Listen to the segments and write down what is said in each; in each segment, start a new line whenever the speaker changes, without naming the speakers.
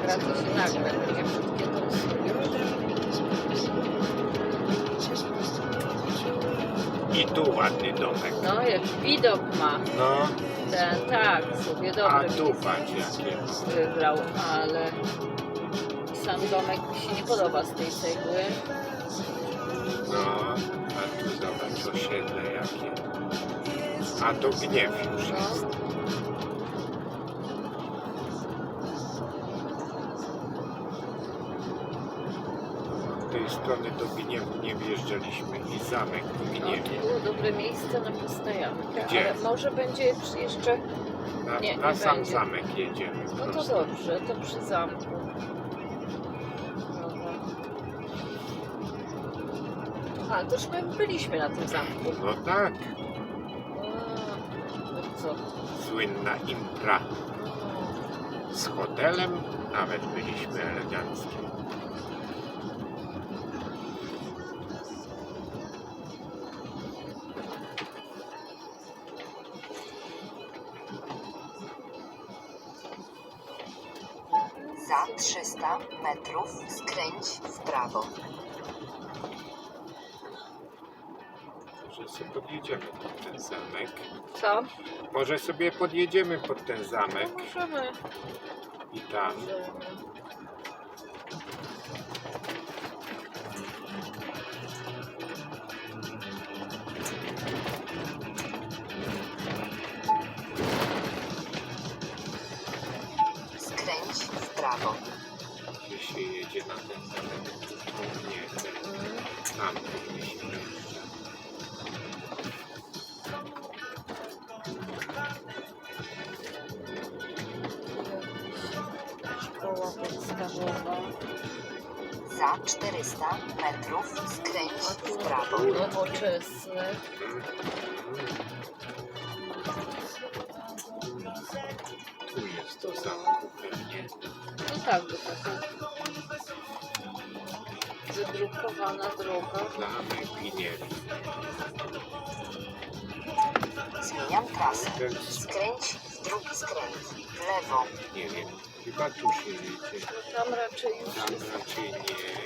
nagra, to się nagra. Takie krótkie to
I tu ładny domek.
no, jak widok ma.
No,
Ten, tak, sobie
a
dobry
tu patrz jakie.
wybrał, ale sam domek mi się nie podoba z tej cegły.
No, a tu zobacz osiedle jakie. A to Gniew już
No.
jest. Z tej strony do Gniewu nie wjeżdżaliśmy i zamek w
No,
Gniewie.
to było dobre miejsce na postojankę,
Gdzie?
ale może będzie jeszcze... nie,
Na
nie
sam
będzie.
zamek jedziemy.
No to
prosto.
dobrze, to przy zamku. Dobra. A, to już my byliśmy na tym zamku.
No tak,
No co?
słynna impra. Z hotelem nawet byliśmy eleganckie.
Za 300 metrów skręć w prawo.
Może sobie podjedziemy pod ten zamek.
Co?
Może sobie podjedziemy pod ten zamek
Możemy.
i tam.
Skręć w prawo.
Gdzie się jedzie na ten zamek? Tu nie, tam powinniśmy jeździć.
Szkoła podstawowa.
Za 400 metrów skręć w prawo.
Nowoczesny.
Tu jest to zamku pewnie.
No tak, bo taka wydrukowana droga.
Zamek Gniew.
Zmieniam trasę. Skręć w drugi skręt. W lewo.
Nie wiem, chyba tu się jedzie.
No tam raczej już
Tam
jest.
raczej nie.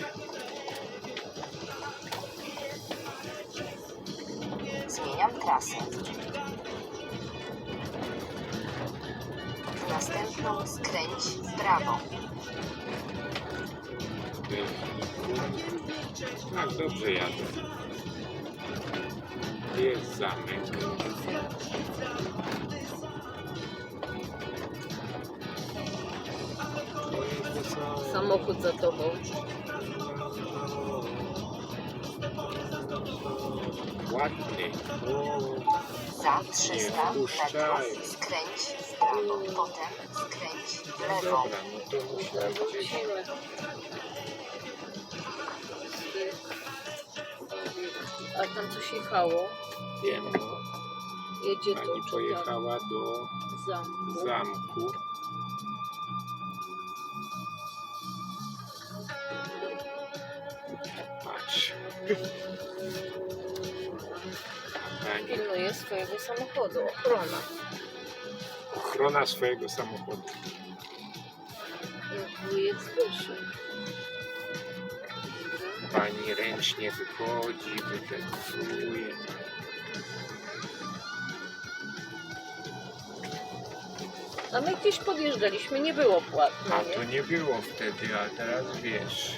Zmieniam trasę. W następną skręć w prawo.
Tak, dobrze jadę. Jest zamek.
Samochód za tobą.
Ładny. O,
Za 300
Nie wpuszczaj.
metrów skręć w prawo. Potem skręć w lewo.
dobra, no to musimy gdzieś.
Wrócimy. A tam coś jechało.
Wiem, no.
Jedzie
Pani
tu czy tam
pojechała do
zamku.
zamku. Patrz. A pani
Pilnuje swojego samochodu. Ochrona.
ochrona swojego samochodu.
Jak wujek Zbyszek.
Pani ręcznie wychodzi, wydecyduje.
A my gdzieś podjeżdżaliśmy, nie było płatne,
A to
nie?
nie było wtedy, a teraz wiesz.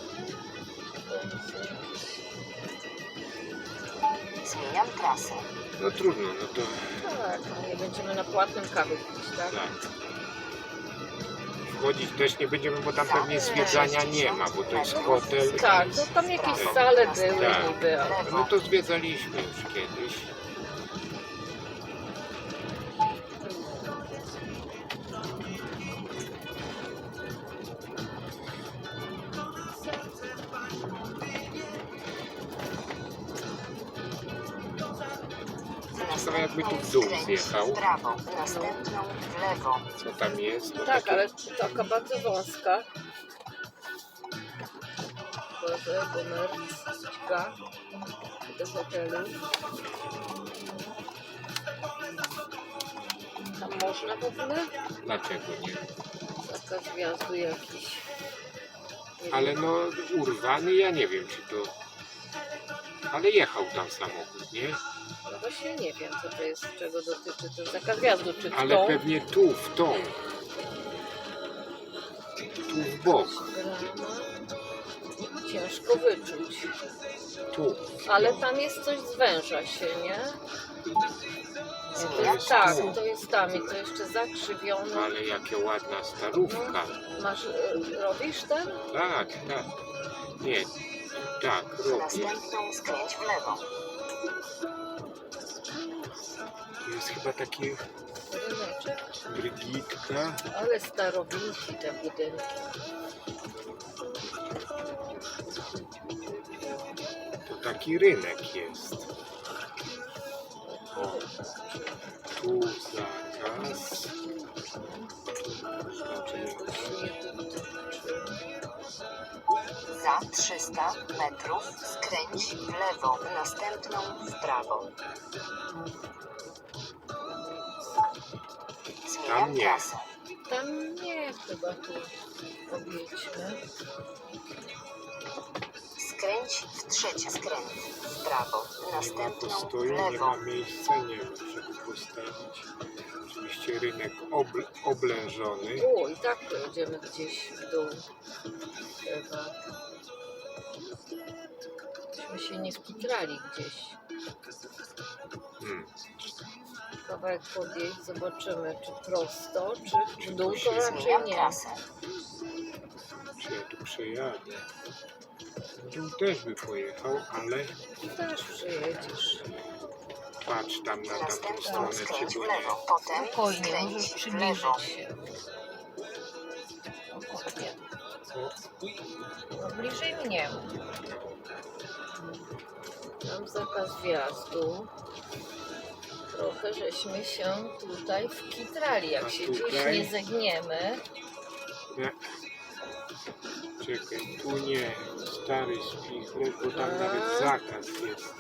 Zmieniam trasę.
No trudno, no to
Tak, no nie będziemy na płatnym kawie pić, tak?
tak. Wchodzić też nie będziemy, bo tam pewnie zwiedzania nie ma, bo to jest hotel.
Tak, to tam jakieś sale były
Tak.
niby, ale...
No to zwiedzaliśmy już kiedyś. Ciekawe jakby tu w dół zjechał.
W prawo. Następną w lewo.
Co tam jest? Bo
Tak,
takie-
ale taka bardzo wąska. Boże, komercka do hotelu. Tam można w ogóle?
Dlaczego nie?
Za zakaz wjazdu jakiś. Nie wiem.
Ale no urwany, ja nie wiem czy to... Ale jechał tam samochód, nie?
No właśnie nie wiem, co to jest, czego dotyczy ten zakaz wjazdu, czy
Ale
tą
pewnie tu, w tą. Tu w bok.
brama. Ciężko wyczuć.
Tu.
Ale tam jest coś, zwęża się, nie?
Zmieniam
Tak,
trasę.
to jest tam i to jeszcze zakrzywione.
Ale jakie ładna starówka.
Masz, robisz ten?
Tak, tak. Nie, tak,
W
robię.
następną skręć w lewo.
To jest chyba taki
Ryneczek.
Brygitka.
Ale starowinki te budynki.
To taki rynek jest. O, tu zakaz.
Za 300 metrów skręć w lewo, w następną w prawo. Zmieniam
Tam nie.
trasę.
Tam nie, chyba tu objedźmy.
Skręć w trzeci skręt w prawo, w
Nie ma
następną w
postoju, nie
lewo.
ma miejsca, nie wiem, żeby postawić. Oczywiście rynek oblężony.
O, i tak pojedziemy gdzieś w dół. Chyba. Myśmy się nie wkitrali gdzieś. Kawałek podjeść, zobaczymy, czy prosto, czy w dół, to raczej
Zmieniam
nie.
trasę.
Czy ja tu przejadę? W dół też by pojechał, ale
Ty też przyjedziesz.
patrz tam na tamtą
Następną
stronę,
skręć
czy
w
go
lewo,
nie.
potem
Spokojnie, możesz
skręć w lewo.
przybliżyć się. Spokojnie.
O,
No, bliżej mnie. Mam zakaz wjazdu. Trochę żeśmy się tutaj wkitrali. Jak
A
się gdzieś
tutaj?
nie zegniemy,
nie. Czekaj, tu nie. Stary spichlerz, bo tam nawet zakaz jest.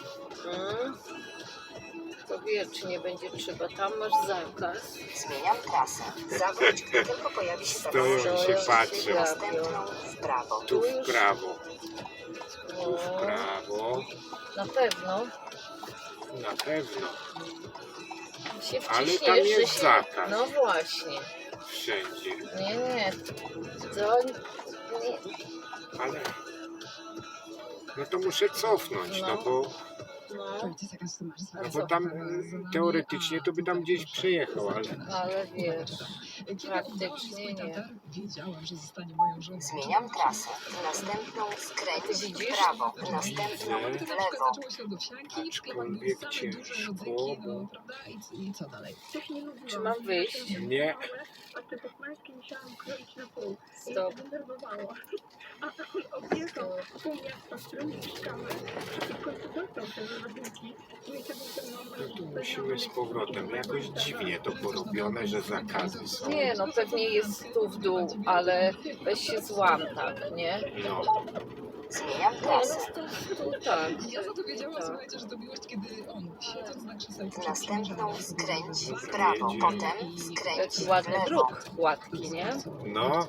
to wiecznie będzie trzeba. Tam masz zakaz.
Zmieniam trasę. Zawróć, gdy tylko pojawi się
Stoją
zakaz.
i się patrzą.
Następną w prawo.
Tu w prawo, tu
No,
w prawo.
na pewno
Na pewno.
się
Ale
wciśniesz,
tam
że
jest
się...
zakaz.
No właśnie.
Wszędzie.
Nie. To nie.
Ale... No to muszę cofnąć, no bo...
No,
No bo tam teoretycznie to by tam gdzieś przejechał,
ale wiesz, praktycznie nie.
Wiedziałam, że zostanie moją żoną.
Zmieniam trasę. Następną skręć
Ty
w
widzisz?
prawo. Następną
Widzę.
w
To na
lewo.
przykład zaczęło się od owsianki, w sklepach były
Aczkolwiek
same duże
ciężko,
rodzyki,
bo-
no prawda? I co dalej?
Czy mam wyjść?
nie.
A te posmańskie musiałam kroić na pół. I
Stop.
to denerwowało. A on objechał pół miasta, w którym mieszkamy. I w końcu dostał te rodzinki. No i tego
No tu musimy z powrotem. Jakoś dziwnie to porobione, że zakazy są.
Nie, no pewnie jest tu w dół, ale weź się złam, tak, nie?
No,
Zmieniam
Nie,
trasę.
no to tak.
Ja za to wiedziałam,
Tak.
słuchajcie, że to miłość, kiedy on, siedząc na krzesełku,
W następną skręć w
Dobra,
prawo.
jedzie.
Potem skręć
Jaki
w
ładny
lewo.
dróg, gładki, nie?
no.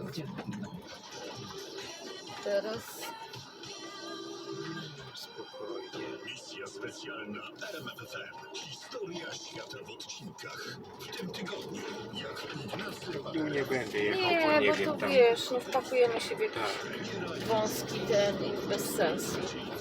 Teraz
Spokojnie.
Misja specjalna RMFFM. Historia świata w odcinkach. W tym tygodniu, jak Ignacy
Tu nie będę jechał, bo
nie,
nie
bo
wiem
to
tam.
wiesz, no wpakujemy się w jakiś
Tak,
wąski ten i bez sensu.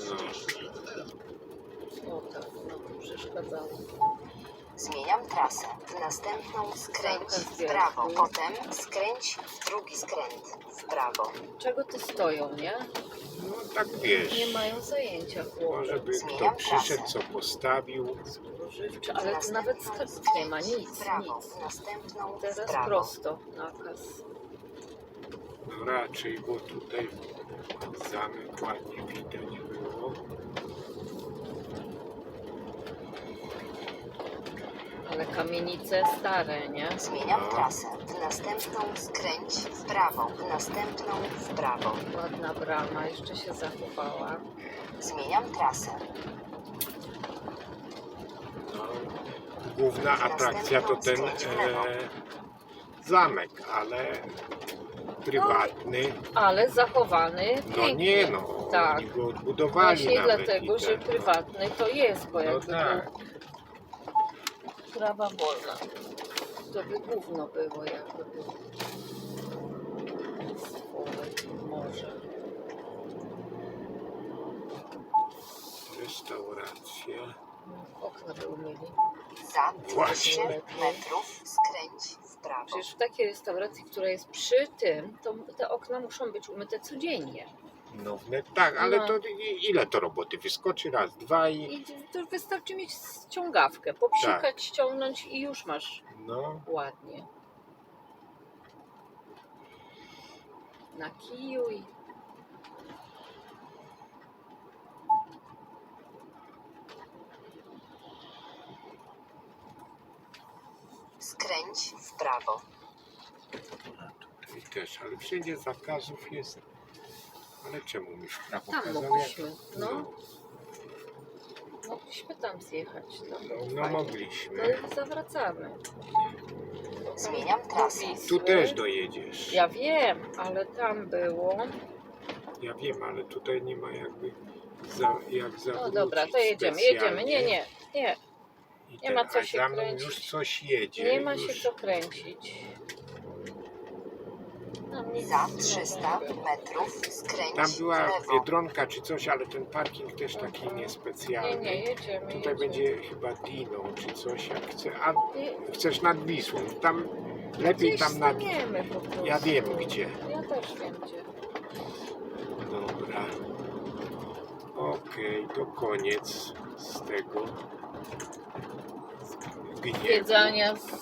no.
O tak, no przeszkadzało.
Zmieniam trasę. W następną skręć w prawo. Potem skręć w drugi skręt w prawo.
Czego tu stoją, nie?
No tak wiesz.
Nie mają zajęcia chłopcy.
Może by kto przyszedł, co postawił.
Spożywcze, ale tu nawet sklepów nie ma, nic,
W prawo.
nic.
W następną w
Teraz
prawo.
prosto nakaz.
No raczej, bo tutaj zamek ładnie widać było.
Ale kamienice stare, nie?
Zmieniam
No.
trasę. W następną skręć w prawo. W następną w prawo.
Ładna brama, jeszcze się zachowała.
Zmieniam trasę.
No, główna atrakcja to ten zamek, ale prywatny.
Ale zachowany
No
pięknie.
nie no,
Tak.
oni go odbudowali
Właśnie
nawet.
dlatego,
i
że
ten,
prywatny to jest, bo
No
jakby
tak.
był prawa wolna. To by gówno było, jakby był może.
Restauracja.
Okna by umieli.
Za
Właśnie.
200 metrów skręć w prawo.
Przecież w takiej restauracji, która jest przy tym, to te okna muszą być umyte codziennie.
No tak, ale
No.
to ile to roboty? Wyskoczy raz, dwa i...
I to wystarczy mieć ściągawkę, popsikać, ściągnąć i już masz
No,
ładnie. Na kiju i...
Skręć w prawo.
tutaj też, ale wszędzie zakazów jest. Ale czemu mi w prawo
Tam
pokazał?
mogliśmy, no. Mogliśmy tam zjechać. No,
No
fajnie.
mogliśmy.
No i zawracamy.
Zmieniam trasę.
Tu też dojedziesz.
Ja wiem, ale tam było.
Ja wiem, ale tutaj nie ma jakby jak zawrócić.
No dobra, to jedziemy,
specjalnie.
Nie.
I
nie ma co
a
się
za mną
kręcić.
już coś jedzie.
Nie ma
już...
się co kręcić. Tam nic
Za
nie
300
będzie.
metrów skręć
Tam
w
była
lewo.
Biedronka czy coś, ale ten parking też taki niespecjalny.
Nie, jedziemy.
Tutaj będzie chyba Dino czy coś, jak chce. A
Nie,
chcesz nad Wisłą? Tam lepiej
gdzieś
tam nad...
staniemy po prostu.
Ja wiem gdzie.
Ja też wiem gdzie.
Dobra. Okej, to koniec z tego. Gniewu.
Zwiedzania